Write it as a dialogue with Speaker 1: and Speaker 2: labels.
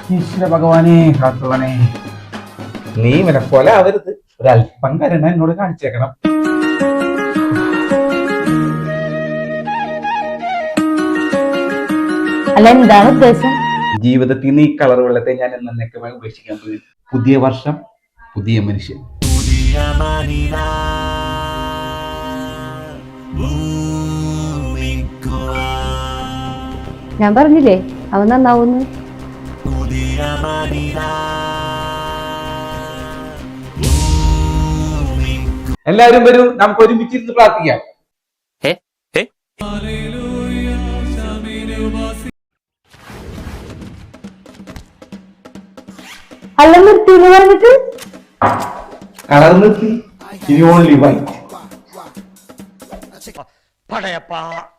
Speaker 1: ഈശ്വര ഭഗവാനെ കാത്തുവനെ, നീ ഇവനെ പോലെ ആവരുത്. ഒരല്പം കരുണ എന്നോട് കാണിച്ചേക്കണം.
Speaker 2: അല്ല, എന്താണ് ഉദ്ദേശം?
Speaker 1: ജീവിതത്തിൽ നിന്ന് ഈ കളർ വെള്ളത്തെ ഞാൻ എന്നേക്കുമായി ഉപേക്ഷിക്കാൻ പോയി. പുതിയ വർഷം, പുതിയ മനുഷ്യൻ.
Speaker 2: ഞാൻ പറഞ്ഞില്ലേ അവൻ നന്നാവുന്നു.
Speaker 1: എല്ലാവരും വരൂ, നമുക്ക് ഒരുമിച്ചിരുന്ന് പ്രാർത്ഥിക്കാം.
Speaker 2: അല്ല, നിർത്തിന്ന് പറഞ്ഞിട്ട്
Speaker 1: കളർ നിർത്തി. ഇനി ഓൺലി വൈറ്റ്.